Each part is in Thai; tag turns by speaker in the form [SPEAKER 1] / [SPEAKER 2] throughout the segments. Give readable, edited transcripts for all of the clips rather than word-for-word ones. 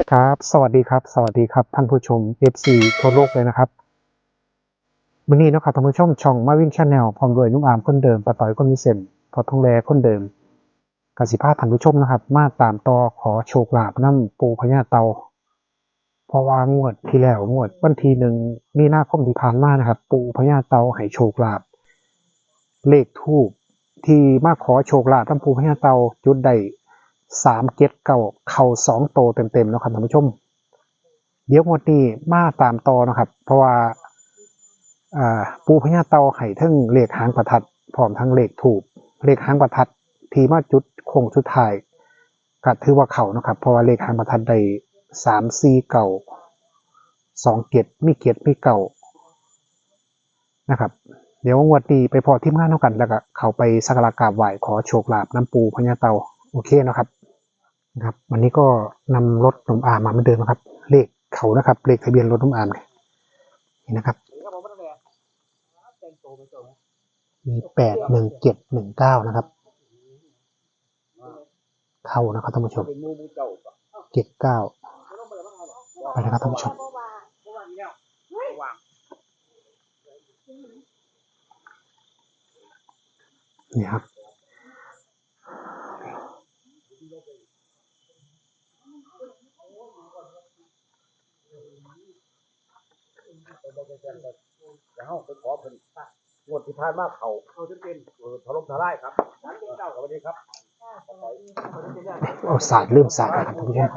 [SPEAKER 1] ครับสวัสดีครับท่านผู้ชม FC ทั่วโลกเลยนะครับวันนี้นะครับท่านผู้ชมช่องมาวินชาแนลพร้อมด้วยนุ่มอามคนเดิมปะต่อยคนมีเซนพอทองแลคนเดิมกสิภาท่านผู้ชมนะครับมาตามต่อขอโชคลาภน้ำปูพญาเตาเพราะว่างวดที่แล้วงวดวันที่1 มีนาคมที่ผ่านมานะครับปูพญาเตาให้โชคลาภเลขทูปที่มาขอโชคลาภน้ำปูพญาเตาจุดใด3 7 9เข่า2โตเต็มๆนะครับท่านผู้ชมเดี๋ยวงวดนี้มาตามต่อนะครับเพราะว่าปูพญาเตาไห่ทั้งเลขหางประทัดพร้อมทั้งเลขถูกเลขหางประทัดที่มาจุดโค้งสุดท้ายก็ถือว่าเขานะครับเพราะว่าเลขหางประทัดได้3 4 9 2 7มี7มี9นะครับเดี๋ยวงวดนี้ไปพอทีมงานเท่ากันแล้วก็เขาไปสักการะกราบไหว้ขอโชคลาภน้ำปูพญาเตาโอเคนะครับวันนี้ก็นำรถหนุ่มอามมาเหมือนเดิมนะครับเลขเขานะครับเลขทะเบียนรถหนุ่มอามนี่นะครับมี8 1 7 1 9นะครับเข้านะครับท่านผู้ชม79ไปนะครับท่านผู้ชมนี่ครับ
[SPEAKER 2] แล้วไปขอเพิ่นงวดที่ผ่านมาเขาจะเป็นถล่มทลายครับร้านเจ้าสวัสดีครับ
[SPEAKER 1] เอาศาสตร์เริ่มศาสตร์นะครับท่านผู้ชม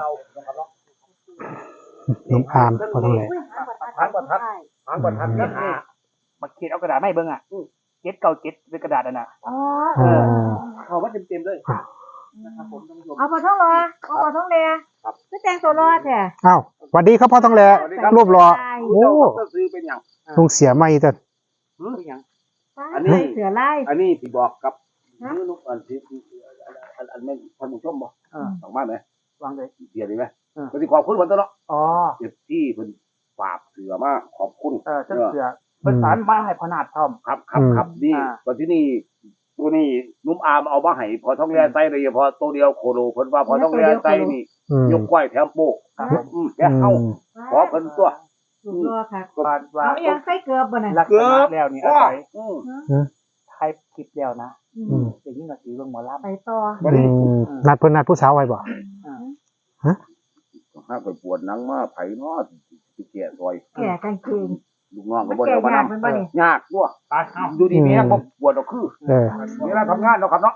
[SPEAKER 1] น้องอามพอต้องเลย
[SPEAKER 2] หางประทัดเนี่ยมาเขียนเอากระดาษไม่เบิ่งอ่ะ797เป็นกระดาษน่ะ
[SPEAKER 3] อ๋อ
[SPEAKER 2] เขาว่าเต็มๆเลยนะครับผมท่านผู้ชม
[SPEAKER 3] เอาพอท้องรอเอาพอท้องเลียก็แต่งตัวรอแท้
[SPEAKER 1] อ้าวสวัสดีครับพ่อต้องเลยรูปรอโอ้
[SPEAKER 2] ซื้อเป็นหยัง
[SPEAKER 1] ลุงเสียไม่แต่
[SPEAKER 2] เป็นหยัง
[SPEAKER 3] อันนี้เสือไล่
[SPEAKER 2] อันนี้ที่บอกกับมือนุ๊กอันที่อันแม่ท่านผู้ชมบ่สองบ้านไหมวางเลยเสียดีไหมก็สิขอบคุณเพิ่นตัวเนาะอ๋อเจ็บที่เพิ่นฝากเสือมาขอบคุณ
[SPEAKER 4] เสือเพิ่นสารมาให้พนาดพร้อม
[SPEAKER 2] ครับนี่ตอนที่นี่ตัวนี้นุ่มอามเอามาให้พอท้องแร่ไส้เลยพอตัวเดียวโคโลเพิ่นว่าพอท้องแร่ไส้นี่ยกก้อยแถมโป้แกเอาขอเพิ่นตัว
[SPEAKER 3] รอค่ะเอาอย่างใส่เกลือบ่น่ะ
[SPEAKER 4] เกลือแล้วนี่อาศัยไทยคลิปแล้วนะอย่างนี้ก็สิเบิ่งหมอลำ
[SPEAKER 3] ไปต่อ
[SPEAKER 1] นัดเพิ่นนัดผู้สาวไว้บ่ฮะ
[SPEAKER 2] ถ้าไปปวดหนังมาไผเนาะสิแก่ซอย
[SPEAKER 3] แก่กางเกง
[SPEAKER 2] ลูกน้องก็บ่ได้เอามานำยากด้วยดูดีแม่บ่ปวดดอกคือเวลาทำงานเนาะครับเนาะ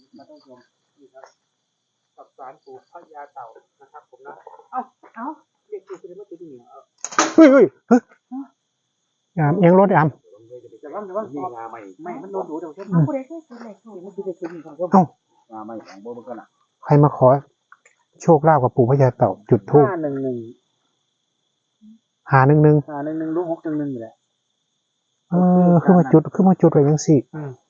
[SPEAKER 4] กับสารปู่พญาเต่านะครับผมนะ
[SPEAKER 3] เอา
[SPEAKER 4] เรียกชื่อคือมาติดนี่
[SPEAKER 1] เฮ้ยยามเอียงรถยาม
[SPEAKER 2] จะว่านี่งาใหม่
[SPEAKER 4] ไม่มันโดนดูเดี๋ยวฉัน
[SPEAKER 3] เอาผู้ใดเคยซื้อเลขถูก
[SPEAKER 4] มันสิได้คืนของเขา
[SPEAKER 1] เอ้าง
[SPEAKER 2] าใหม่ของบ่มันก็น่ะ
[SPEAKER 1] ใครมาขอโชคลาภกับปู่พญาเต่าจุดธูป
[SPEAKER 4] 511
[SPEAKER 1] 511
[SPEAKER 4] ลูก611นี่แหละ
[SPEAKER 1] ขึ้นมาจุดไว้จังซี่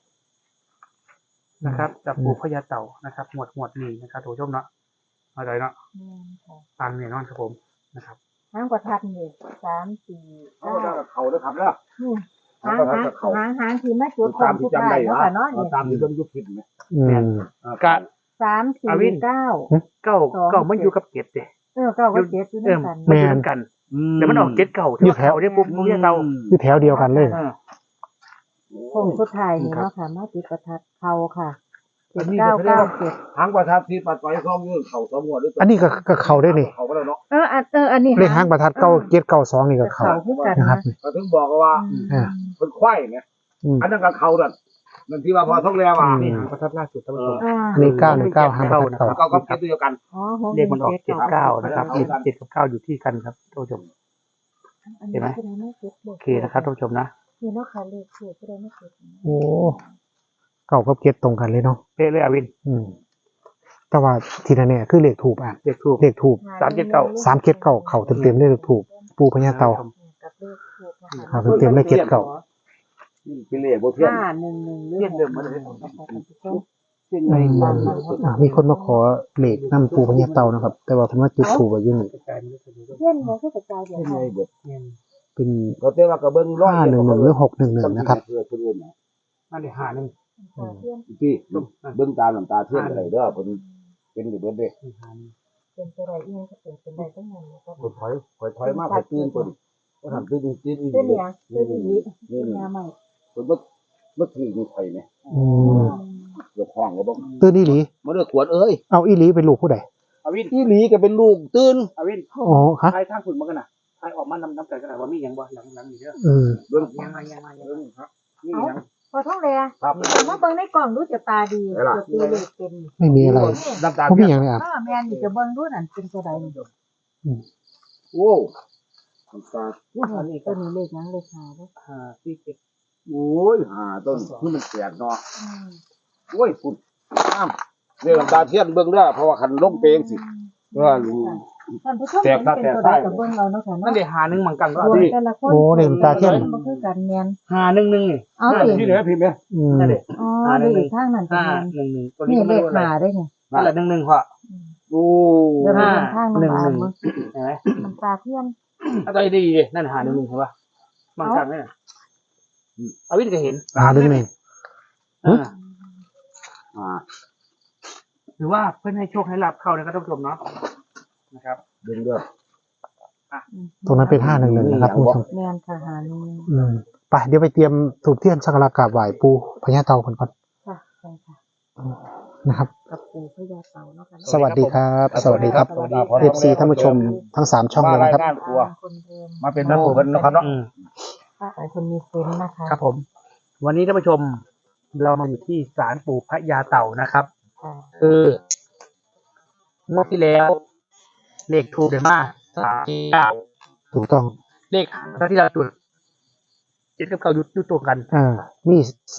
[SPEAKER 4] นะครับจากปู่พญาเต่านะครับหมวดนี้นะครับท่านผู้ชมเนาะเอาใจเนาะฟังเนี่ยนอนครับผมนะครับ
[SPEAKER 3] หางประทัดนี่3 4
[SPEAKER 2] เขาเด้อครับเด้อ
[SPEAKER 3] หางที่มาจุดของทุกได้เนาะเนาะนี่
[SPEAKER 2] ตามที่เบิ่งอยู่คลิปนี่
[SPEAKER 4] กะ
[SPEAKER 3] 3 4 9
[SPEAKER 4] 9มันอยู่กับ7เด้
[SPEAKER 3] 9กับ7อยู่ด้วยกัน
[SPEAKER 4] มันอยู่กันแต่มันออก7 9
[SPEAKER 1] อยู่แถว
[SPEAKER 4] ได้ปุ๊บพญาเต่า
[SPEAKER 1] อยู่แถวเดียวกันเลย
[SPEAKER 3] คงสุดท้ายนี่เนาะค่ะมาจุดประทัดเข้าค่ะ7997
[SPEAKER 2] หางประทัดที่ปัดไว้ซ่อมอยู่เขาสมวดด้วย
[SPEAKER 1] อันนี้ก็เข้าได้นี่
[SPEAKER 2] เขาก็แล้วเนาะ
[SPEAKER 3] อันนี้
[SPEAKER 1] เลขหางประทัด9792นี่ก็เข้านะครับ
[SPEAKER 2] ก็ถึงบอกว่าเพิ่นควายไงอันนั้นก็เขานั่นที่ว่าพอท้องแร่ว่า
[SPEAKER 4] นี่หางประทัดล่าสุดท่านผู้ชม
[SPEAKER 1] นี่919หางประทัด
[SPEAKER 2] เก้ากับ7เดียวกัน
[SPEAKER 4] เลขมันออก79นะครับ7กับ9อยู่ที่กันครับท่านผู้ชมเห็นไหมโอเคนะครับท่านผู้ชมนะ
[SPEAKER 3] นี่เนาะค่ะเลขถูกก็ได้ไม่ถูก
[SPEAKER 1] โอ้เก่ากับเก็ตตรงกันเลยเนาะ
[SPEAKER 4] เป๊ะเลยอวิน
[SPEAKER 1] แต่ว่าทีนั้นเนี่ยคือเลขถูก
[SPEAKER 4] เลขถูก
[SPEAKER 1] 379เข่าเต็มๆเลยเลขถูกปูพญาเต่าเข่าเต็มๆเลย79
[SPEAKER 2] เป็นเลขบ่เทียน
[SPEAKER 4] เทียนเดิมมาเลย
[SPEAKER 1] มีคนมาขอเลขนำปูพญาเต่านะครับแต่ว่าเพิ่นว่าจุดถูกอยู่นี่
[SPEAKER 3] เทียนเนี่ยคือกระจายเดี๋ยว
[SPEAKER 1] เป็น
[SPEAKER 2] ก็แต่ว่าก็เบิ่ง
[SPEAKER 1] 511หรือ611นะครับ
[SPEAKER 4] นั่นได้5
[SPEAKER 2] 1พี่เบิ่งตามน้ำตาเทียนอะไรเด้อเพิ่นเป็นอยู่เบิดเด้
[SPEAKER 3] เป็นไปได้อีหยังก็เป็นได้ทั้งนั้นก็
[SPEAKER 2] ถอยมาไปตื่นคนก็ทำตื่นอีก
[SPEAKER 3] เป็นหยังเป็นอีหลีเป็นยาใหม่
[SPEAKER 2] คนบ่ถือมีไผไหม
[SPEAKER 1] อืม
[SPEAKER 2] เดี๋ยวห้องก็บ่
[SPEAKER 1] ตื่นอีหลี
[SPEAKER 2] บ่ได้ขวดเอ้ย
[SPEAKER 1] เอาอีหลีเป็นลูกผู้ใด
[SPEAKER 4] อวิน
[SPEAKER 2] อีหลีก็เป็นลูกตื่น
[SPEAKER 4] อวิน
[SPEAKER 1] อ๋อฮะ
[SPEAKER 4] ทายทางฝุ่นมากันน่ะทายออกมานำใจกันน่ะว่ามีหยังบ่หลังนี่เด้อ
[SPEAKER 1] อืม
[SPEAKER 2] เบิ่ง
[SPEAKER 4] ยังครับมีหยัง
[SPEAKER 3] พอท้องแล
[SPEAKER 2] ครับ
[SPEAKER 3] มาเบิ่งในกล่องดูจะตาดีจะตีเลขเป็น
[SPEAKER 1] ไม่มีอะไร
[SPEAKER 2] น้ำตา
[SPEAKER 1] เขามีอย่างไรอ่ะ
[SPEAKER 3] แม่นนี่จะเบิ่งดูนั่นเป็นตัวใดนี่
[SPEAKER 2] โอ้น้ำตา
[SPEAKER 3] อันนี้ตัวนี้เลขหยังเลขหาเด้อ
[SPEAKER 4] 547
[SPEAKER 2] โอ้ยหาต้นคือมันแตกเนาะโอ้ยฝุ่นอ้ามเรื่องน้ำตาเทียนเบิ่งเด้อเพราะว่าคันลงเปงสิว่ารู้
[SPEAKER 3] ท่านผู้ชมเป็นตัวใดก็เบิ่งเอาเนาะค่ะ
[SPEAKER 4] นั่น
[SPEAKER 3] เนาะ
[SPEAKER 4] ได้หาหนึงมังกันก็
[SPEAKER 3] รวม
[SPEAKER 4] ดี
[SPEAKER 3] แต่ละคน
[SPEAKER 1] โอ้เด็กตาเทียน
[SPEAKER 3] บ่คือกันแม่น
[SPEAKER 4] หาหนึ่งนี่
[SPEAKER 3] เอาสิ
[SPEAKER 2] ที่เหลือพิมพ์เนี่ย
[SPEAKER 1] อืม
[SPEAKER 4] นั่นเด้
[SPEAKER 3] อ๋อเลขข้างนั้นเป็น
[SPEAKER 4] ห้า
[SPEAKER 3] แม่น
[SPEAKER 4] หนึ่งตัว
[SPEAKER 3] นี่
[SPEAKER 4] นี้ก็
[SPEAKER 3] เล
[SPEAKER 4] ไม่
[SPEAKER 3] ข
[SPEAKER 4] รู้อะไร
[SPEAKER 3] หาได้ไง
[SPEAKER 4] นั่นแหละ1พ่อ
[SPEAKER 2] โอ้
[SPEAKER 3] เดี๋ยวไปเบิ่งข้างน้ำตาล
[SPEAKER 4] 1
[SPEAKER 3] เบิ่ง
[SPEAKER 4] เห็นไหม
[SPEAKER 3] น้ำตาเทียน
[SPEAKER 4] เอาตัวดีดินั่นหา1เห็นป่ะมังกันไหมน่ะอวินก็เห็น
[SPEAKER 1] หาดึงหนึ่ง
[SPEAKER 4] อ่า
[SPEAKER 2] อ่า
[SPEAKER 4] หรือว่าเพื่อนให้โชคให้ลาบเข้านะครับท่านผู้ชมเนาะนะครับ
[SPEAKER 2] ดึงเด้อ
[SPEAKER 1] ตรงนั้นเป็น511นะครับคุณผู้ชม
[SPEAKER 3] แม่นค่ะหาหนึ่ง
[SPEAKER 1] อืมไปเดี๋ยวไปเตรียมถูกเทียนสักการะกราบไหว้ปู่พญาเต่ากันก่อน
[SPEAKER 3] ค่ะใช่ค่ะ
[SPEAKER 1] นะครับ
[SPEAKER 3] กับปู่พญาเต่าเนาะค่ะ
[SPEAKER 1] สวัสดีครับ สวัสดีครับ
[SPEAKER 2] สวัสดีครับ
[SPEAKER 1] FC ท่านผู้ชมทั้ง3ช่อง
[SPEAKER 2] มา
[SPEAKER 1] เลย
[SPEAKER 2] ราย
[SPEAKER 1] นะครับ
[SPEAKER 2] งานตัว
[SPEAKER 3] คนเดิม
[SPEAKER 2] มาเป็นนักบวชกันนะครับเนาะ
[SPEAKER 3] ป้าไอคนมีเซนส์นะคะ
[SPEAKER 4] ครับผม วันนี้ท่านผู้ชม เรามาอยู่ที่ศาลปู่พญาเต่านะครับ
[SPEAKER 3] ค่ะ
[SPEAKER 4] คืองวดที่แล้ว เลขถูกเลยมาก39
[SPEAKER 1] ถูกต้อง
[SPEAKER 4] เลขที่เราจุด7กับ9อยู่ตัวกัน
[SPEAKER 1] มี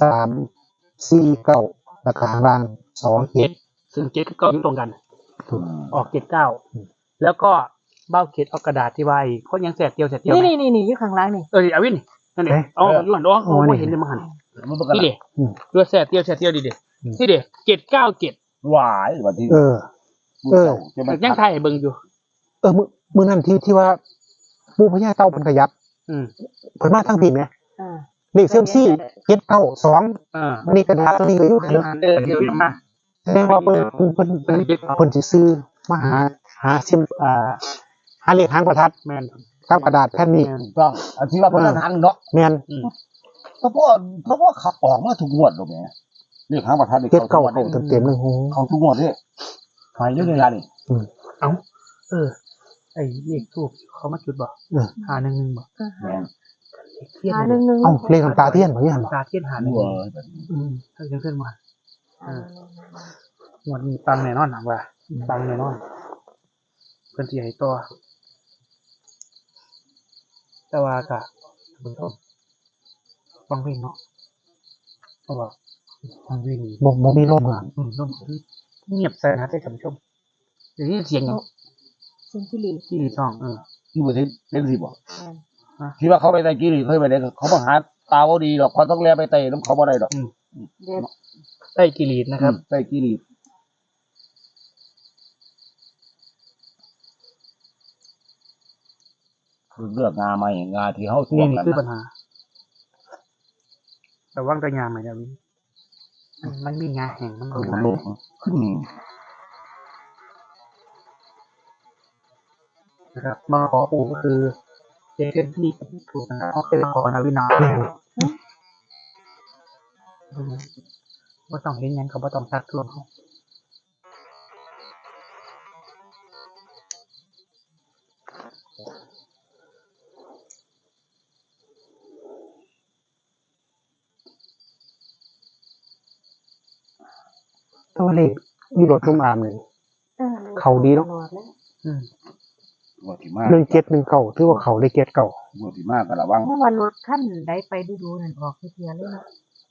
[SPEAKER 1] 349ราคาข้างล่าง2
[SPEAKER 4] ซึ่ง7กับ9อยู่ตรงกัน
[SPEAKER 1] ถูก
[SPEAKER 4] ออก79แล้วก็เบ้าเข็ดเอากระดาษที่ไว้เขายังแสกเดียว
[SPEAKER 3] นี่อยู่ข้างล่างนี่
[SPEAKER 4] อวินนั่นเองเอาอยู่หันโอ้ไม่เห็นเลยมั้งหัน
[SPEAKER 2] มันประกัน
[SPEAKER 4] นี่เด็ด้วยแสกเดียวดิเด็นี่เด็797
[SPEAKER 2] หวายวันที่
[SPEAKER 1] เออ
[SPEAKER 2] จะมัน
[SPEAKER 4] ยังไทยเบิ่งอยู่
[SPEAKER 1] มื้อนั้นที่ว่าปู่พญาเต่าเพิ่นขยับ
[SPEAKER 4] อืม
[SPEAKER 1] เพิ่นมาทางผิดไง
[SPEAKER 3] อ่า
[SPEAKER 1] เลขเซี่ยมซี่792วันนี้กระดาษตัวนี้ก็อยู่ข้างหลัง
[SPEAKER 4] เดี๋ยวมา
[SPEAKER 1] แสดงว่าเพิ่นสิซื้อมาหาซิมหาเลขหางประทัด
[SPEAKER 4] แมน
[SPEAKER 1] กับกระดาษแผ่นนี้
[SPEAKER 2] ต้องอันที่ว่าพนันหันเนาะ
[SPEAKER 1] แม่น
[SPEAKER 2] เพราะว่าขับออกมาทุกงวดตรงนี้เรียกหางประทัดเด็ก
[SPEAKER 1] เก็บ
[SPEAKER 2] เขา
[SPEAKER 1] เก่าเต็มๆเลยโห
[SPEAKER 2] เขาทุกงวดเลยหายเรื่องเวลานี่
[SPEAKER 4] เอ้าไอ้เลขทูบเขามาจุดบ่หา1บ่
[SPEAKER 2] แม่ง
[SPEAKER 4] เทียน
[SPEAKER 3] หาหนึ่ง
[SPEAKER 1] เอ้าเลขน้ำตาเทียนบ่ยัง
[SPEAKER 4] ตาเทียนหา
[SPEAKER 2] หัว
[SPEAKER 4] ถ้าเพื่อนมาวันนี้ตังแน่นอนนะว่าตังแน่นอนเพื่อนที่ให้ตัวแต่ว่ากะเบิ่งต้องฟังเพลงเนาะเพราะว่าฟังเพลงนี่
[SPEAKER 1] บ่มีลมอ่ะ
[SPEAKER 4] ร่มเงียบใส่นะได้ท่านผู้ชมอย่างนี้เสียงอย่าง
[SPEAKER 3] เซนที่ลี
[SPEAKER 4] ที่ช่อง
[SPEAKER 2] ที่ประเทศเล่นสิบ่ที่ว่าเขาไปไต่กี้นี่เคยไปไหนเขามาหาตาวดีหรอกเขาต้องแลไปไต่น้ำเขาบ่ได้หรอก
[SPEAKER 3] เด็ด
[SPEAKER 4] ใต้กิรีดนะครับ
[SPEAKER 2] ไต่กี้นี่เลือกงาใหม่งาที่เขาทว
[SPEAKER 4] นี่
[SPEAKER 2] ง
[SPEAKER 4] นี่
[SPEAKER 2] กัน
[SPEAKER 4] คือปัญหาแต่ว่างแต่ยามไหมนะวินมันมีงาแห่งมัน
[SPEAKER 2] คือ
[SPEAKER 4] หลาย
[SPEAKER 2] โลกขึ้น
[SPEAKER 4] นะครับมาขอปู่ก็คือเจเกนที่ถูกนะครับเขาเป็นขอนาวินาว่าต้องเห็นยังเขาว่าต้องทักทวงเขา
[SPEAKER 1] ตัวเลขอยู่รถนุ่มอามนี่เขาดีเนาะ
[SPEAKER 2] งวดที่มาก
[SPEAKER 1] 1719ถือว่าเขาได้เก็ดเก่าง
[SPEAKER 2] วดที่มากก็ระวัง
[SPEAKER 3] เมื่อวันรถขั้นได้ไปดูนั่นออกเทียเลยนะ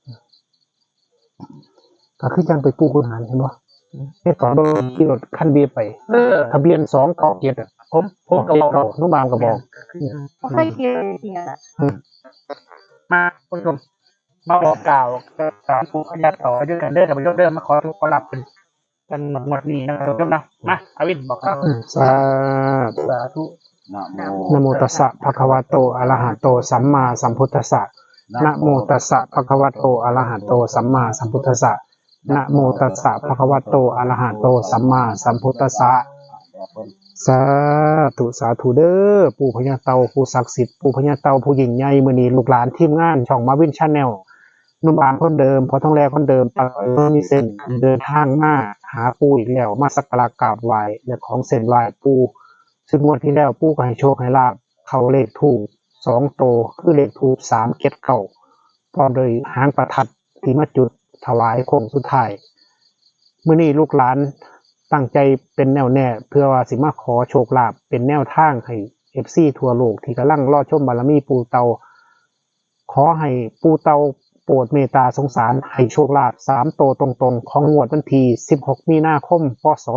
[SPEAKER 1] ก็คือจังไปปู่คุณหารเห็นบ่เฮ็ดก่อนบ่ขี่รถคันเบียไปทะเบียน297อ่ะ
[SPEAKER 4] ผมก็บอก
[SPEAKER 1] นุ่มอามก็บอก
[SPEAKER 3] เคยเทียเนี่ย
[SPEAKER 4] มาคุณผู้ชมมาบอกกล่าวสามปู่พญาต่อด้วยกันเด้อแต่ไม่ยกเดิมมาขอทุกขอรับกันหมดนี้นะครับทุกท่านนะมาอาวินบอกครับ
[SPEAKER 1] สาธุ
[SPEAKER 4] สาธุ
[SPEAKER 1] นะโมตัสสะภะคะวะโตอะระหะโตสัมมาสัมพุทธัสสะนะโมตัสสะภะคะวะโตอะระหะโตสัมมาสัมพุทธัสสะนะโมตัสสะภะคะวะโตอะระหะโตสัมมาสัมพุทธัสสะสาธุสาธุเด้อปู่พญาเต่าผู้ศักดิ์สิทธิ์ปู่พญาเต่าผู้ยิ่งใหญ่มื้อนี้ลูกหลานทีมงานช่องมาวินชาแนลนุ่มอามคนเดิมพอทองแลคนเดิมปอยมีเส้นเดินทางมาหาปู่อีกแล้วมาสักการะกราบไหว้และของเส้นไหว้ปู่ซึ่งงวดที่แล้วปู่ก็ให้โชคให้ลาภเข้าเลขถูก2โตวคือเลขถูก379พร้อมโดยหางประทัดที่มาจุดถวายโค้งสุดท้ายมื้อนี้ลูกหลานตั้งใจเป็นแนวแน่เพื่อว่าสิมาขอโชคลาภเป็นแนวทางให้ FC ทั่วโลกที่กำลังรอชมบารมีปู่เตาขอให้ปู่เตาโปรดเมตตาสงสารให้โชคลาภ3โตวตรงๆของงวดวันที่16มีนาคมพศ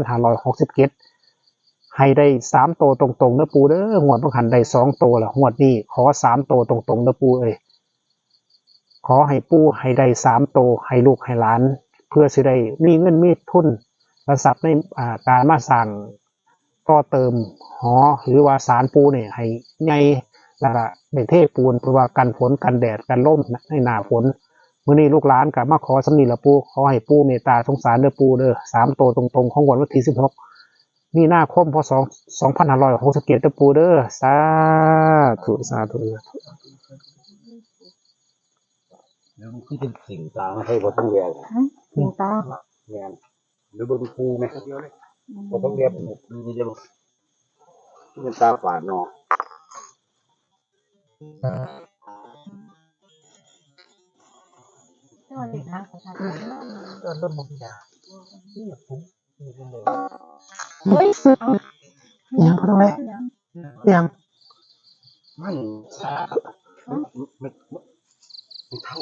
[SPEAKER 1] 2567ให้ได้3โตวตรงๆเด้อปู่เด้องวดบ่หันได้2โตวแล้วงวดนี้ขอ3โตวตรงๆเด้อปู่เอ้ยขอให้ปู่ให้ได้3โตวให้ลูกให้หลานเพื่อสิได้มีเงินมีทุนและทรัพย์ในการมาสร้างต่อเติมหอหรือว่าศาลปู่เนี่ยให้ใหญ่แล้วก็ได้เทปูนเพื่อว่ากันฝนกันแดดกันลมในหน้าฝนมื้อนี้ลูกหลานก็มาขอสำนีละปู่ขอให้ปู่เมตตาสงสารเด้อปู่เด้อ3โตวตรงๆของวันที่16มีนาคมพศ2567เด้อปู่เด้อสาธุสาธุ
[SPEAKER 2] แล้วมันคือเป็นสิ่งต่างให้บ่ต้องเรียน
[SPEAKER 3] สิงตา
[SPEAKER 2] แม่นหรือบ่มีครูไหมบ่ต้องเรียนมีเดียวเป็นตาฝาดเนาะ
[SPEAKER 3] สวัสดีค่ะประธาน
[SPEAKER 4] เริ่มมองยา
[SPEAKER 3] เฮ้ย
[SPEAKER 1] ยังพอต้องแลยัง
[SPEAKER 2] มันไม่เท่า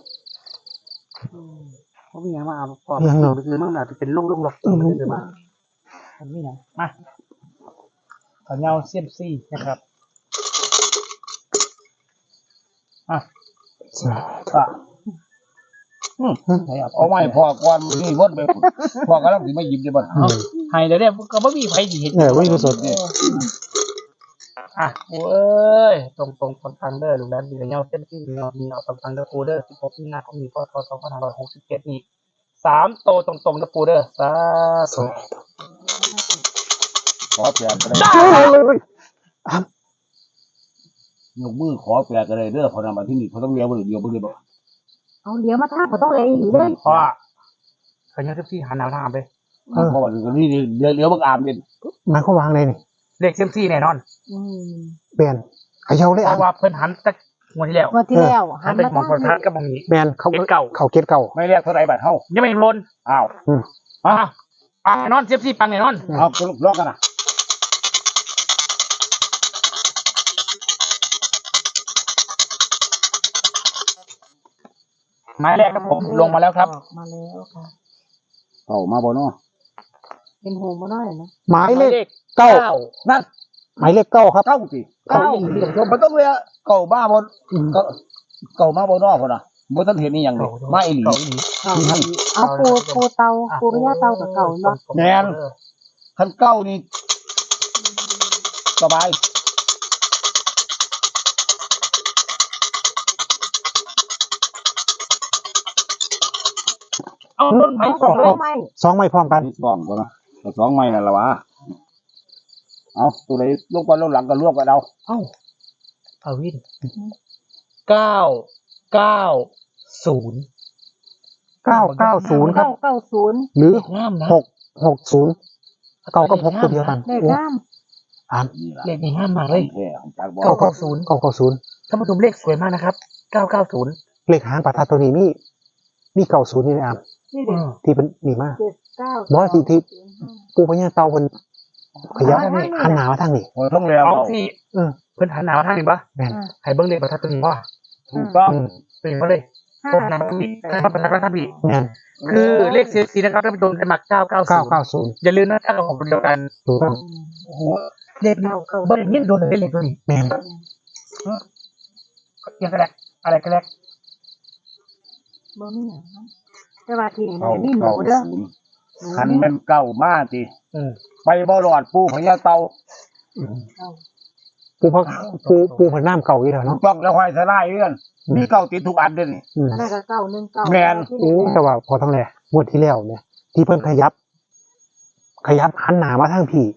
[SPEAKER 4] เขามีอย่างมาเอาปอบ
[SPEAKER 1] ยังเนาะ
[SPEAKER 4] คือมันอาจจะเป็นลูกๆหลอกคือมาอันนี้นะมาขอเงาเซียมซี่นะครับอ่ะ
[SPEAKER 1] สาธุ
[SPEAKER 4] ก็
[SPEAKER 2] เอาไม้พอก่อนนี่วดไปพอกำลังสิมาหยิบได้บ่
[SPEAKER 4] ให้เดี๋ยวเนี่ยก็ไม่มีใครสิเห็น
[SPEAKER 1] ไม่รู้สดเนี่ย
[SPEAKER 4] อ่ะโอ้ยตรงคนทางเด้อลูกนั้นดีเงาเส้นที่เงามีเงาตรงเด้อปูเด้อ16มีนาคมนี้พศ2567นี้3โตตรงๆเด้อปูเด้อสาธุ
[SPEAKER 2] ขอแปลก็ได้ยกมือขอแปลก็ได้เด้อพอนำมาที่นี่เขาต้องเรียนบ่เดียวบ่ได้บ่
[SPEAKER 3] เอาเดี๋ยวมาท่าเขาต้องเลยอีกเลย
[SPEAKER 4] เพราะว่าขยันเซมซี่หันหน้าทางไป
[SPEAKER 2] เพราะว่านี่เรียวบักอามเป็น
[SPEAKER 1] หมายความวางเลยนี่
[SPEAKER 4] เลขเซมซี่แน่นอน
[SPEAKER 1] เปลี่ยนเขย่าเลย
[SPEAKER 4] เพ
[SPEAKER 1] อ่ะ
[SPEAKER 4] ราะว่าเพิ่นหันจากงวดที่แล้ว
[SPEAKER 3] งวดที่แล้ว
[SPEAKER 4] หันไปมองประทัดกับมองนี้
[SPEAKER 1] แบนเขา
[SPEAKER 4] เก็ตเก่า
[SPEAKER 1] เขาเก็ตเก่า
[SPEAKER 2] ไม่เรียกเท่าไหร่บาทเฮา
[SPEAKER 4] ยังไม่ลน
[SPEAKER 2] อ้าว
[SPEAKER 4] อ่ะแน่นอนเซมซี่ปังแน่นอน
[SPEAKER 2] เอาลอกกันนะ
[SPEAKER 4] หมายแรกครับผมลงมาแล้วครับ
[SPEAKER 3] มาแล้วค่ะ
[SPEAKER 2] เอามาบ่เนาะ
[SPEAKER 3] เป็นโฮมมาหน่อยนะ
[SPEAKER 1] หมายเลขเก้า
[SPEAKER 2] นั่น
[SPEAKER 1] หมายเลขเก้าครับ
[SPEAKER 2] เก้าสิเก้ามันต้องเรียกเก่าบ้าบ่เก่ามาบ่เนาะพุ่นน่ะบ่ทันเห็นอีหยังเลยมาอีหลี
[SPEAKER 3] เอาปูเตาปูพญาเตากับเก่าเนาะ
[SPEAKER 2] แม่นคันเก้านี่สบาย
[SPEAKER 4] เอาต้นไม้
[SPEAKER 3] เอา
[SPEAKER 4] สอง
[SPEAKER 3] สองไม้
[SPEAKER 1] สองไม่พร้อมกัน
[SPEAKER 2] สองบ่นะสองไม้นั่นล่ะวะเอาตัวไหนลงก่อนลงหลังก็รวบกันเอา
[SPEAKER 4] เอ้าเอาวิน990
[SPEAKER 1] 990ครับ
[SPEAKER 3] 990
[SPEAKER 1] หรือ
[SPEAKER 4] งามนะ
[SPEAKER 1] 660เก้ากับ6ตัวเดียวกัน
[SPEAKER 3] เลขงาม
[SPEAKER 1] อ่าน
[SPEAKER 2] นี่ล่ะ
[SPEAKER 4] เลขนี้งามมากเลย
[SPEAKER 2] แท้ของจากบ่
[SPEAKER 1] 990
[SPEAKER 4] ท่านผู้ชมเลขสวยมากนะครับ990
[SPEAKER 1] เลขหางประทัดตัวนี้มี90นี่เลยอ่ะ
[SPEAKER 3] นี่เด็ก
[SPEAKER 1] ที่เป็นนี่มาก
[SPEAKER 3] 79
[SPEAKER 1] บ่สิที่ ปูพญาเตาเพิ่นขยับหันหน้ามาทางนี้
[SPEAKER 2] บ่ต้องเรียก
[SPEAKER 4] เอา
[SPEAKER 2] เอา
[SPEAKER 4] สิ
[SPEAKER 1] เออ
[SPEAKER 4] เพิ่นหันหนาวทางนี้ปะ
[SPEAKER 1] แม่น
[SPEAKER 4] ให้เบิ้งเลขประทัดตัวนี้ว่า
[SPEAKER 2] ถูกต้อง
[SPEAKER 4] เป็นมาเลยพบนำพี่ประทัดท่านพี่
[SPEAKER 1] แม่น
[SPEAKER 4] คือเลขสีนะครับท่านผู้ชมได้มา990
[SPEAKER 1] 990
[SPEAKER 4] อย่าลืมนะถ้าเราของเดียวกัน
[SPEAKER 1] ถูกต้อง
[SPEAKER 4] โอ้โหเลขนี้เบิ้งยิ่งโดนเลยเลขตัวนี้
[SPEAKER 1] แม่น
[SPEAKER 4] ยังกระแดกอะไรกระแดก
[SPEAKER 3] บ่มีหยังเนาะแต่ว่าที่นี่
[SPEAKER 2] เก้า
[SPEAKER 3] มีหมูเด้อ
[SPEAKER 2] คันแมันเก้ามาติ
[SPEAKER 4] อืม
[SPEAKER 2] ไปบ่รอดปูพญาเตา
[SPEAKER 1] ปูพเพิ่นน้ำเก่าอีแล้ว
[SPEAKER 2] ถู
[SPEAKER 1] เนาะ
[SPEAKER 2] กต้องแล้วห้อยสลายเรื่องมีเก้าติดทุกอันเด้อนี่
[SPEAKER 1] อืม
[SPEAKER 3] อันนั้นก็919
[SPEAKER 2] แม่น
[SPEAKER 1] โอ้แต่ว่าพอทั้งแหล่งวดที่แล้วเนี่ยที่เพิ่นขยับขยับหันหน้ามาทางพี่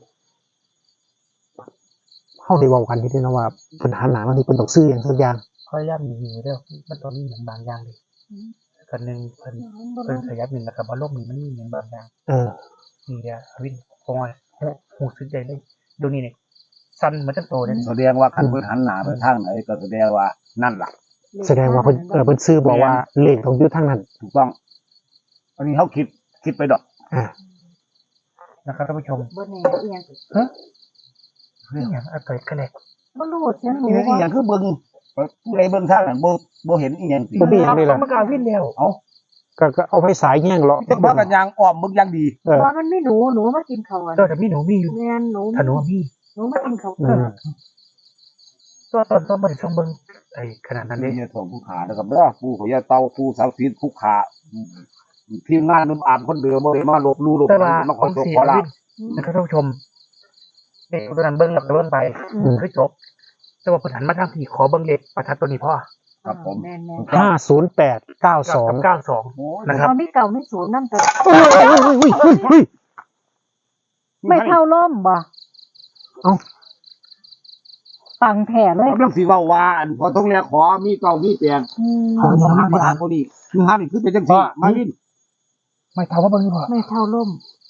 [SPEAKER 1] เข้าได้เว้ากันที่นี่นะว่าเป็นหันหน้ามาที่เป็นต้องซื้ออย่างสักอย่าง
[SPEAKER 4] พยายามมีอยู่เด้อมันต้องมีอย่างบางอย่างเลยกันหนึ่งเพิ่นขยับหนึ่งแล้วก็บ่ลมนี่มันมีอย่างบางอย่าง นี่เดียววินคอยหูสึกใจเลยดูนี่เนี่ยสั้นเหมือนจะโตเนี่ย
[SPEAKER 2] แสดงว่าคันเพิ่นหันหน้าไปทางไหนก็แสดงว่านั่นล่ะ
[SPEAKER 1] แสดงว่าเพิ่นซื้อบอกว่าเลขต้องอยู่ทางนั้น
[SPEAKER 2] ถูกต้อง อันนี้เขาคิดไปดอก
[SPEAKER 4] นะครับท่านผู้ชม
[SPEAKER 3] บ่แน่เอียง
[SPEAKER 4] นี่อย่างอะไรกันเลย
[SPEAKER 3] บ่รู้เสียงหนู
[SPEAKER 2] นี่อีหยังคือเบิ่งผู้ใดเบิ่งทางนั้นบ่เห็นอีหยังสิ
[SPEAKER 1] บ่มีหยังเลยล่ะ
[SPEAKER 4] มันกลางวินแล้ว
[SPEAKER 2] เอา
[SPEAKER 1] ก็เอาไฟสายแย่งเลาะ
[SPEAKER 2] จักว่ากันยางอ้อมเบิ่งอย่างดี
[SPEAKER 3] ว่ามันไม่หนูมากินข้าว
[SPEAKER 4] ตัวแต่มีหนูมีอยู่
[SPEAKER 3] แม่นหนู
[SPEAKER 4] ถ้าหนูมี
[SPEAKER 3] หนูมากินข้าว
[SPEAKER 4] ตัวตอนบริษัทเบิ้งไอ้ขนาดนั้น
[SPEAKER 2] นี่
[SPEAKER 4] เลย
[SPEAKER 2] เนี่ยของผู้ขานะครับเด้อผู้ขอยาเตาผู้สาวศีลผู้ขาทีมงานนุ่มอามคนเดิมบ่ได้มาลบลู่ลบ
[SPEAKER 4] แต่ว่า
[SPEAKER 2] มาข
[SPEAKER 4] ข
[SPEAKER 2] อ
[SPEAKER 4] อง
[SPEAKER 2] โชค
[SPEAKER 4] เสีย
[SPEAKER 2] ขอลา
[SPEAKER 4] วิ
[SPEAKER 2] บ
[SPEAKER 4] นนะครับท่านผู้ชมเด็กตัวนั้นเบิ้งแล้วก็เบิ้งไปคือจบแต่ว่าผลหันมาทางผีขอเบิ้งเล็กประทัดตัวนี้พ่อ
[SPEAKER 2] ครับผม
[SPEAKER 3] แม่น
[SPEAKER 1] 50892
[SPEAKER 4] 92นะครับ
[SPEAKER 3] มีเก่ามีศูนย์นำแต่
[SPEAKER 1] อุ้ย
[SPEAKER 3] ไม่เท่าล่มบ่
[SPEAKER 1] เอ้า
[SPEAKER 3] ปังแผ่เลย
[SPEAKER 2] กำลังสิเว้าว่าอันพอต้องแลขอมีเก่ามีแปลงขอมาอ่านบ่ดีคือหานี่คือเป็นจังซี่มาวิน
[SPEAKER 4] ไม่ถามว่าเบิ้งนี่พ่อ
[SPEAKER 3] ไม่เท่าล่ม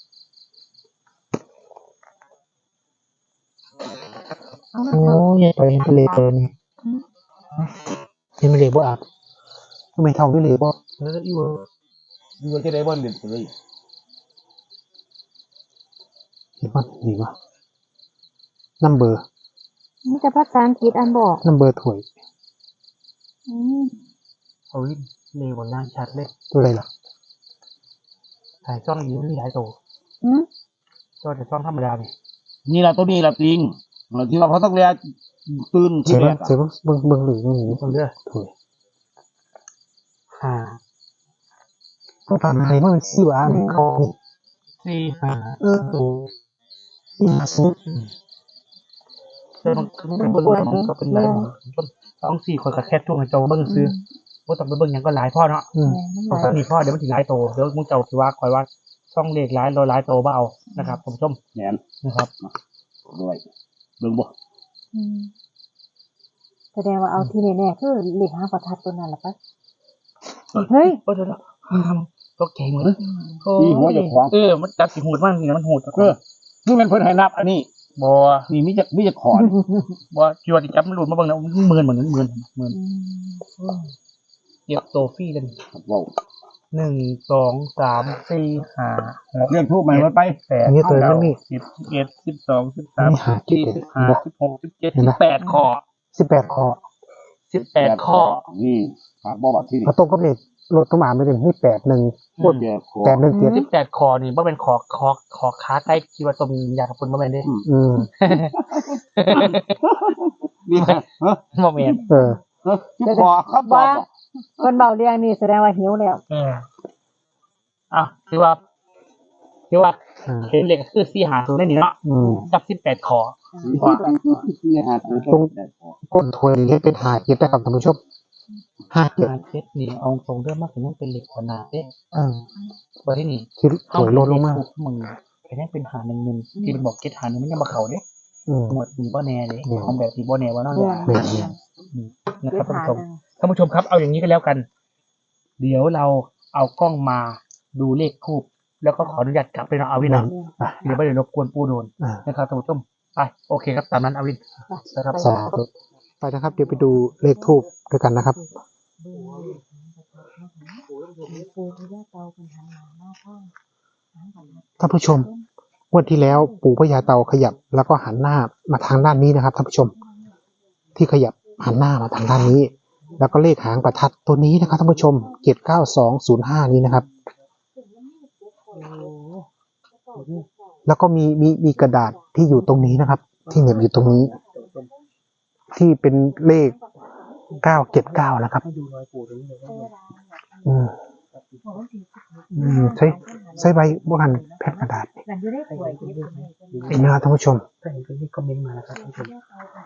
[SPEAKER 1] โอ้ยไปเห็นทะเลเปิดนี่เห็นทะเลบ่อาบทำไมเท่าทะเลบ่
[SPEAKER 4] อยู่
[SPEAKER 2] อยู่จะได้บ่เล่นเลย
[SPEAKER 1] เห็นมันนี่วะนัมเบอร์
[SPEAKER 3] มีแต่ภาษาอังกฤษอันบอก
[SPEAKER 1] นัมเบอร์ถ้วย
[SPEAKER 4] เอาวินเร็วกว่านั้นชัดเลย
[SPEAKER 1] ตัวอะไรล่ะ
[SPEAKER 4] ถ่ายช่องอยู่มีหลายตัวตัวแต่ช่องธรรมดาเนี่ย
[SPEAKER 2] นี่ล่ะตัวนี้ล่ะจริงแล้วที่ว่าพอต้องแลตื่นที่
[SPEAKER 1] เสีย
[SPEAKER 2] แรก
[SPEAKER 1] เสียเบิ่งหรือไม่หนี
[SPEAKER 4] ต้องเลือก
[SPEAKER 1] ถ้วยก็ผ่านมามันเป็นซี่วะมันคอ
[SPEAKER 4] สี่
[SPEAKER 1] ตัว50
[SPEAKER 4] แต่มันเป็นเบิ้งก็เป็นหลายต้องสี่คนกับแค่ช่วงให้เจ้าเบิ้งซื้อว่าต้องไปเบิ้งยังก็หลายพ่อเนาะต้องมีพ่อเดี๋ยวมันถึงหลายโตเดี๋ยวมึงเจ้าคือว่าคอยว่าช่องเลขหลายโตบ่เอานะครับผมชม
[SPEAKER 2] แม่น
[SPEAKER 4] นะครับ
[SPEAKER 2] ด้วยเบิ่งบ่
[SPEAKER 3] แสดงว่าเอาที่แน่ๆคือเลขหางประทัดตัวนั้นล่ะไปเฮ้ย
[SPEAKER 4] โอ้เดี๋ยวทำตัวเก่งเหมือน
[SPEAKER 2] ที่หัวเจ้าของ
[SPEAKER 4] มันจับสีหูดมากนี่มันหูด
[SPEAKER 2] นี่มันเพิ่นให้นับอันนี้
[SPEAKER 4] บัว
[SPEAKER 2] นี่มีจะขอน
[SPEAKER 4] บัวจวดจับมันหลุดมาบ้างนะหมื่นเหมือนหมื่นเก็บโตฟี่กัน
[SPEAKER 2] เว้า
[SPEAKER 4] 1 2 3 4 5 6
[SPEAKER 2] เรื่องทูบใหม่มันไป
[SPEAKER 4] 8
[SPEAKER 1] อันนี้ตัวมันมี
[SPEAKER 4] 10 11 12 13 14 15 16 17 18ข้อ
[SPEAKER 1] 18ข้อ
[SPEAKER 4] 18ข้อ
[SPEAKER 2] นี่ครับบ่ว่าที่นี่
[SPEAKER 1] พอตรงกับเลขรถตุ้มอ่านไม่ถึงนี่81
[SPEAKER 2] พูดแก่ขอ
[SPEAKER 1] 817
[SPEAKER 4] 18ข้อนี่บ่เป็นขอค้าใกล้คิดว่าต้มยาขับปุ่นบ่แม่นเด้
[SPEAKER 2] นี่ฮะ
[SPEAKER 4] บ่แม่น
[SPEAKER 2] ที่ขอครับบ่
[SPEAKER 3] ว่าคนเบาเรียงนี่แสดงว่าหิวแล้ว
[SPEAKER 4] คือว่าเห็นเลขคือ450ได้นี่เนาะกับ18ข้อ
[SPEAKER 2] นี่ฮะ
[SPEAKER 1] ก้นถ้วยนี่เป็น57นะครับท่านผู้ชม57
[SPEAKER 4] เซตนี่เอาตรงเรื่องมากถึงยังเป็นเหล็กขนาดเด้ บ่ที่นี่
[SPEAKER 1] ที่ถ้วยลดลงมา
[SPEAKER 4] มึงแค่ยังเป็นหา1นึงที่มันบอกเก็ตหา1มันยังบ่เข้าเด้หมดนี่บ่แน่เด้ของแบบที่บ่แน่ว่าเนาะ นะครับท่านผู้ชมครับเอาอย่างนี้ก็แล้วกัน เดี๋ยวเราเอากล้องมาดูเลขทูบแล้วก็ขออนุญาตกลับไปเนาะอาวินนะเดี๋ยวไม่ได้รบกวนปูโดนนะครับท่านผู้ชมไปโอเคครับตามนั้นอาวินนะครับ
[SPEAKER 1] สาธุไปนะครับ เดี๋ยวไปดูเลขทูบด้วยกันนะครับ ท่านผู้ชมงวดที่แล้วปู่พญาเต่าขยับ แล้วก็หันหน้ามาทางด้านนี้นะครับท่านผู้ชม ที่ขยับหันหน้ามาทางด้านนี้ แล้วก็เลขหางประทัดตัวนี้นะครับท่านผู้ชม79205นี้นะครับ แล้วก็มีกระดาษที่อยู่ตรงนี้นะครับ ที่เหน็บอยู่ตรงนี้ ที่เป็นเลข979นะครับใช้ใบบวกันแผ่นกระดาษนี่นะครับท่านผู้ชม
[SPEAKER 4] ถ้าเห็นก็คอมเมนต์มานะครับท่านผู้ชม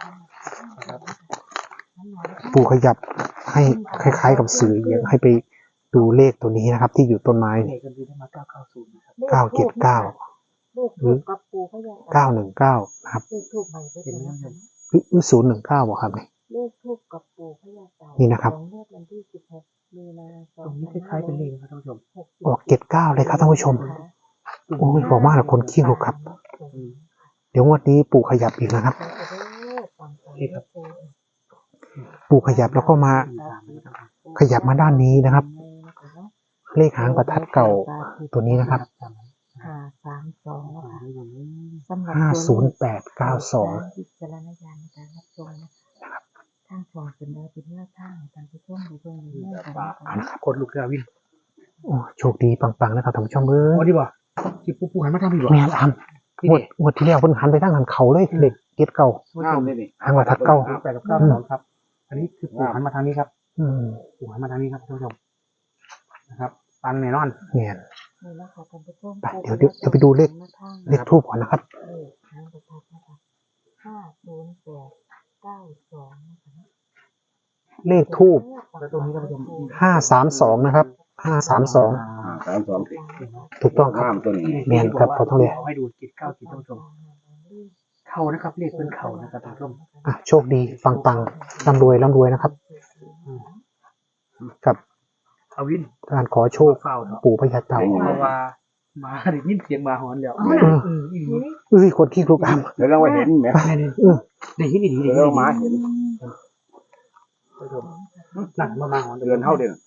[SPEAKER 1] ปู่ขยับให้คล้ายๆกับสื่ออยากให้ไปดูเลขตัวนี้นะครับ ที่อยู่ต้นไม้
[SPEAKER 4] เลขกันดีได้มา990นะครับ
[SPEAKER 1] 979
[SPEAKER 3] ขทูบกับปูพญาเต่า
[SPEAKER 1] 919นะครับ
[SPEAKER 3] เลขทูบใหม่ก็จะนะคะ
[SPEAKER 1] หรือ019บ่ครับ
[SPEAKER 3] เลขทูบกับปูพญาเต่า
[SPEAKER 1] นี่นะครับ
[SPEAKER 3] ของงวดวันที่16 มีนาคม
[SPEAKER 4] ตรงนี้คล้ายๆเป็นเลขนะครับท่านผู้ชม
[SPEAKER 1] ออก79เลยครับท่านผู้ชม โอ้ยบอกมากเลยคนขี้ลุกครับ เดี๋ยวงวดนี้ปู่ขยับอีกนะครับ
[SPEAKER 4] นี่ครับ
[SPEAKER 1] ปู่ขยับแล้วก็มาขยับมาด้านนี้นะครับ เลขหางประทัดเก่าตัวนี้นะครับ
[SPEAKER 3] 532นะคะสำหรับ
[SPEAKER 1] 50892
[SPEAKER 3] วิจารณญาณในการรับชมนะคะทางช่องเป็นได้เป็นแนวทางในการผู้ชมดูเบิ่งดูแลกันนะคะ
[SPEAKER 1] นะครับ
[SPEAKER 4] กดลูกเรือวิน
[SPEAKER 1] โอ้โชคดีปังๆนะครับท่านผู้ชมเอ้
[SPEAKER 4] โอ้
[SPEAKER 1] ย
[SPEAKER 4] ดีบ่ที่ปูหันมาทางพี่บ่
[SPEAKER 1] แม่นงวดที่แล้วเพิ่นหันไปทางหันเขาเลยเด็กเก็ดเก่า
[SPEAKER 2] งามเลยนี่
[SPEAKER 1] หางประทัดเก่า
[SPEAKER 4] 8กับ9ครับ อันนี้คือปูหันมาทางนี้ครับ
[SPEAKER 1] อืม
[SPEAKER 4] ปูหันมาทางนี้ครับท่านผู้ชมนะครับปังแน่นอน
[SPEAKER 1] แม่น
[SPEAKER 3] นี่นะคะท่านผู้ชม
[SPEAKER 1] ไปเดี๋ยวไปดูเลข เลขทูปก่อนนะครับ
[SPEAKER 3] เลขหางประทัดนะคะ50892นะคะ
[SPEAKER 1] เลขทูป
[SPEAKER 4] แล้วตรงนี้ท่านผู้ชม
[SPEAKER 1] 532นะครับ532
[SPEAKER 2] 32สิ
[SPEAKER 1] ถูกต้องครับ
[SPEAKER 2] งามตัวนี้
[SPEAKER 1] แม่นครับพอต้องเลย
[SPEAKER 4] ให้ดูจิต9จิตท่านผู้ชมเข้านะครับเลขเป็นเข่านะครับท่านผู้ชม
[SPEAKER 1] อ่ะโชคดีปังๆร่ำรวยนะครับ กับ
[SPEAKER 4] เอาวิน
[SPEAKER 1] การขอโชค
[SPEAKER 4] เฝ้าเถอะ
[SPEAKER 1] ปู่พญาเต่า
[SPEAKER 4] เพราะว่ามาได้ยินเสียงหมาหอนแล้ว
[SPEAKER 1] เอ้ยคนขี้ลุกอ้ำ
[SPEAKER 2] เดี๋ยวเราไปเห็นไหม
[SPEAKER 4] ได้ยินดี
[SPEAKER 2] เดี๋ยวเรามาเห็น
[SPEAKER 4] หนักมาหอน
[SPEAKER 2] เดือนเท่าเดือน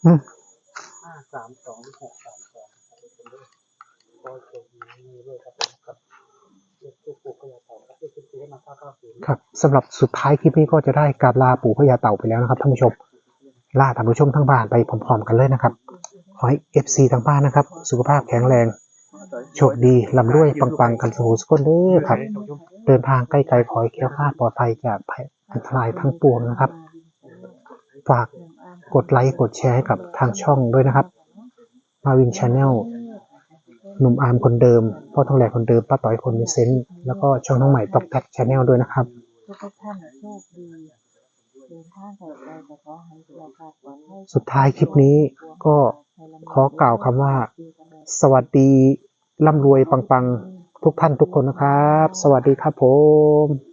[SPEAKER 1] ครับสำหรับสุดท้ายคลิปนี้ก็จะได้การลาปู่พญาเต่าไปแล้วนะครับท่านผู้ชมลาท่านผู้ชมทั้งบ้านไปพร้อมๆกันเลยนะครับขอให้ FC ทางบ้านนะครับ สุขภาพแข็งแรงโชคดีร่ำรวยปังๆกันสู่สุขคนเด้อครับ เดินทางใกล้ๆขอให้แคล้วคลาดปลอดภัยจากภัยอันตรายทั้งปวงนะครับ ฝากกดไลค์กดแชร์ให้กับทางช่องด้วยนะครับ มาวินชาแนลหนุ่มอาร์มคนเดิมพ่อทองแหลกคนเดิมป้าต่อยคนมีเซนส์แล้วก็ช่องน้องใหม่ต็อกแท็กชาแนลด้วยนะครับ
[SPEAKER 3] ทุกท่านโชคดีเดินทางปลอดภัยแต่ขอให้เราปลอดภัย
[SPEAKER 1] สุดท้ายคลิปนี้ก็ขอกล่าวคำว่า สวัสดีร่ำรวยปังๆทุกท่านทุกคนนะครับ สวัสดีครับผม